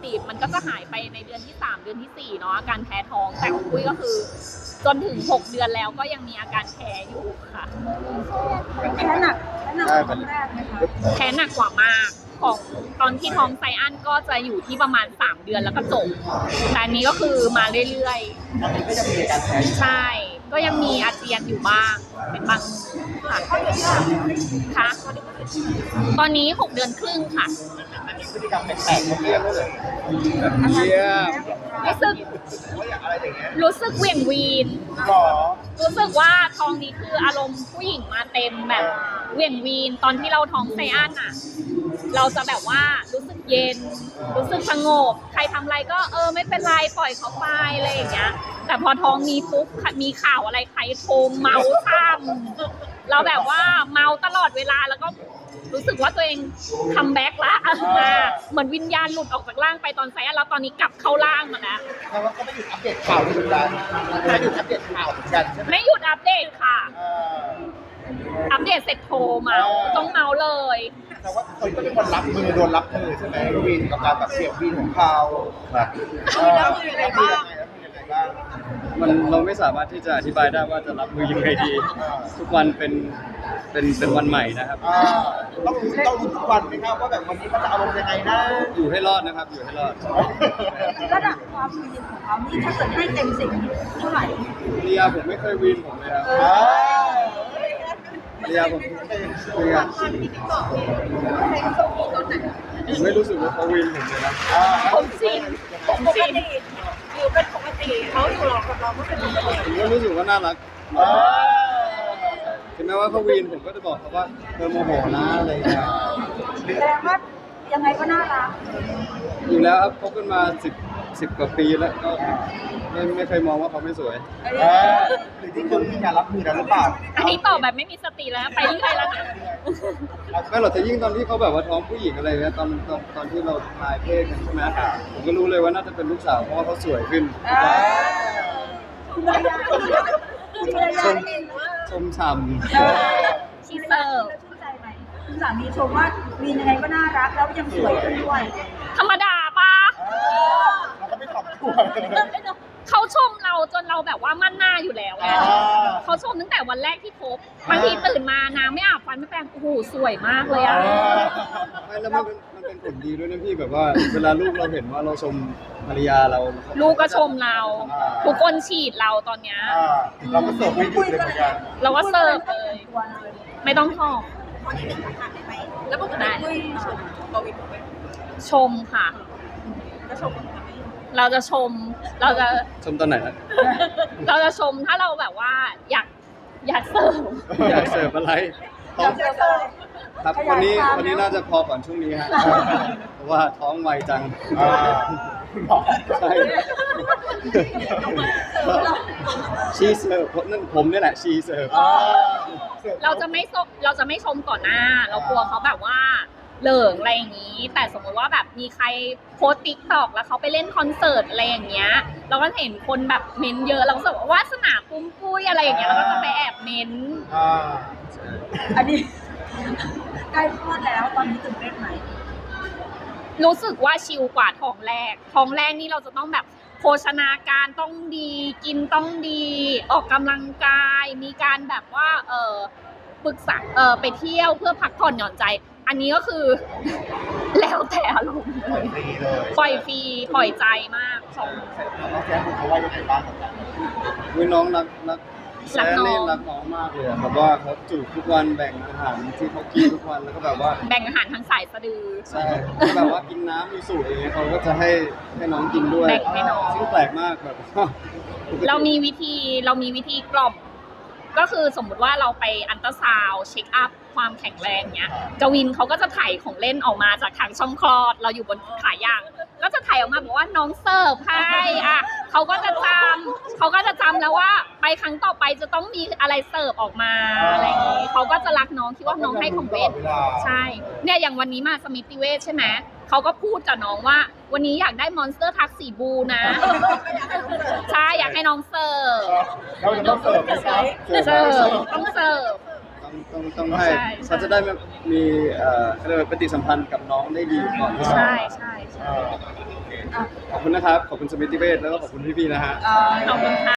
ติมันก็จะหายไปในเดือนที่3เดือนที่4เนาะอาการแพ้ท้องแต่ของปุ้ยก็คือจนถึง6เดือนแล้วก็ยังมีอาการแพ้อยู่ค่ะแพ้หนักครั้งแรกไหมคะแพ้หนักกว่ามากของตอนที่ท้องไซอันก็จะอยู่ที่ประมาณ3เดือนแล้วก็จบแต่อันนี้ก็คือมาเรื่อยๆตอนนี้ก็ยังมีอาการแพ้อยู่ใช่ก็ยังมีอาเจียนอยู่บ้างเป็นบางค่ะค่ะตอนนี้6เดือนครึ่งค่ะอันนี้พฤติกรรมแปลกๆเรียกได้เลยเยี่ยมรู้สึกเหวี่ยงวีนรู้สึกว่าท้องนี้คืออารมณ์ผู้หญิงมาเต็มแบบเหวี่ยงวีนตอนที่เราท้องไซอันอ่ะเราจะแบบว่ารู้สึกเย็นรู้สึกสงบใครทำอะไรก็ไม่เป็นไรปล่อยเขาไปอะไรอย่างเงี้ยแต่พอท้องมีปุ๊บมีข่าวอะไรใครโทรเมาซ้ำเราแบบว่าเมาตลอดเวลาแล้วก็รู้สึกว่าตัวเองคัมแบ็กละเหมือนวิญญาณหลุดออกจากร่างไปตอนไซอันแล้วตอนนี้กลับเข้าร่างมาแล้วแต่ว่าก็ไม่หยุดอัปเดตข่าวเหมือนกันไม่หยุดอัปเดตข่าวเหมือนกันใช่ไหมไม่หยุดอัปเดตค่ะอัปเดตเสร็จโทรมาต้องเมาเลยแต่ว่าคนก็เป็นคนรับมือโดนรับมือใช่ไหมวินกับการแบบเสียงวินของเขาครับรับมือยังไงบ้างเราไม่สามารถที่จะอธิบายได้ว่าจะรับมือยังไงดีทุกวันเป็นวันใหม่นะครับต้องรู้ทุกวันไหมครับว่าแบบวันนี้เขาจะอารมณ์ยังไงนะอยู่ให้รอดนะครับอยู่ให้รอดระดับความวีนของเขานี่ถ้าเกิดให้เต็ม10เท่าไหร่เรียผมไม่เคยวีนผมเลยครับเรียผมไม่รู้สึกว่าเขาวีนผมเลยนะผมจริงอยู่เป็นปกติเขาอยู่หลอกกับเราก็เป็นปกติผมก็รู้สึกว่าน่ารักถึงแม้ว่าเขาวีนผมก็จะบอกเขาว่าโมโหนะอะไรอย่างเงี้ยแสดงว่ายังไงก็น่ารักอยู่แล้วครับคบกันมา10 กว่าปีแล้วก็ไม่เคยมองว่าเขาไม่สวยหรือที่คุณมีการรับมือนั้นหรือเปล่าอันนี้ตอบแบบไม่มีสติแล้วไปเรื่อยแล้วนะไม่หรอกแต่ยิ่งตอนที่เขาแบบว่าท้องผู้หญิงอะไรเงี้ยตอนที่เราทายเพศกันใช่ไหมผมก็รู้เลยว่าน่าจะเป็นลูกสาวเพราะว่าเขาสวยขึ้นชมฉ่ำชีเซอร์ชื่นใจไหมคุณสามีชมว่าวีนยังไงก็น่ารักแล้วยังสวยขึ้นด้วยธรรมดาปะเราก็ไม่ตอบตัวเขาชมเราจนเราแบบว่ามั่นหน้าอยู่แล้วเขาชมตั้งแต่วันแรกที่คบบางทีตื่นมาน้ำไม่อาบฟันไม่แปรงโอ้โหสวยมากเลยไม่แล้วมันเป็นผลดีด้วยนะพี่แบบว่าเวลาลูกเราเห็นว่าเราชมภรรยาเราลูกก็ชมเราทุกคนฉีดเราตอนเนี้ยเราก็เสิร์ฟไม่หยุดเลยเหมือนกันเราก็เสิร์ฟเลยไม่ต้องทอแล้วปกติคุยชมบวินไหมชมค่ะก็ชมเราจะชมชมตอนไหนนะเราจะชมถ้าเราแบบว่าอยากเสิร์ฟอยากเสิร์ฟอะไรครับวันนี้น่าจะพอก่อนช่วงนี้ฮะเพราะว่าท้องไวจังใช่ชีเสิร์ฟนั่นผมนี่แหละชีเสิร์ฟเราจะไม่ชมต่อหน้าเรากลัวเขาแบบว่าเหลิงอะไรอย่างนี้แต่สมมติว่าแบบมีใครโพสติ๊กต็อกแล้วเขาไปเล่นคอนเสิร์ตอะไรอย่างเงี้ยเราก็เห็นคนแบบเม้นเยอะเราก็รู้สึกว่าวาสนาปุ้มปุ้ยอะไรอย่างเงี้ยเราก็จะไปแอบเม้นอันนี้ใกล้คลอดแล้วตอนนี้ตื่นเต้นไหมรู้สึกว่าชิลกว่าท้องแรกนี่เราจะต้องแบบโภชนาการต้องดีกินต้องดีออกกำลังกายมีการแบบว่าปรึกษาไปเที่ยวเพื่อพักผ่อนหย่อนใจอันนี้ก็คือแล้วแต่อารมณ์เลยปล่อยฟรีปล่อยใจมากน้องแจ๊คเขาว่ายังไงบ้างกับการน้องรักแซ่นี่รักน้องมากเลยแบบว่าเขาจูบทุกวันแบ่งอาหารที่เขากินทุกวันแล้วก็แบบว่าแบ่งอาหารทั้งสายสะดือใช่แบบว่ากินน้ำมีสูตรอย่างเงี้ยเขาก็จะให้น้องกินด้วยแบ่งให้น้องซึ่งแปลกมากแบบเรามีวิธีกล่อมก็คือสมมุติว่าเราไปอัลตราซาวด์เช็คอัพความแข็งแรงเนี้ยกวินเขาก็จะถ่ายของเล่นออกมาจากทางช่องคลอดเราอยู่บนขายางก็จะถ่ายออกมาบอกว่าน้องเสิร์ฟให้เขาก็จะจำแล้วว่าไปครั้งต่อไปจะต้องมีอะไรเสิร์ฟออกมาอะไรอย่างนี้เขาก็จะรักน้องคิดว่าน้องให้ของเล่นใช่เนี่ยอย่างวันนี้มาสมิติเวชใช่ไหมเขาก็พูดกับน้องว่าวันนี้อยากได้มอนสเตอร์ทักสีบูนะใช่อยากให้น้องเสิร์ฟเราจะต้องเสิร์ฟต้องเสิร์ฟต้องให้ใช่เขาจะได้มีเขาเรียกว่าปฏิสัมพันธ์กับน้องได้ดีก่อนใช่ใช่เออขอบคุณนะครับ ขอบคุณสมิติเวชแล้วก็ขอบคุณพี่ๆนะฮะขอบคุณค่ะ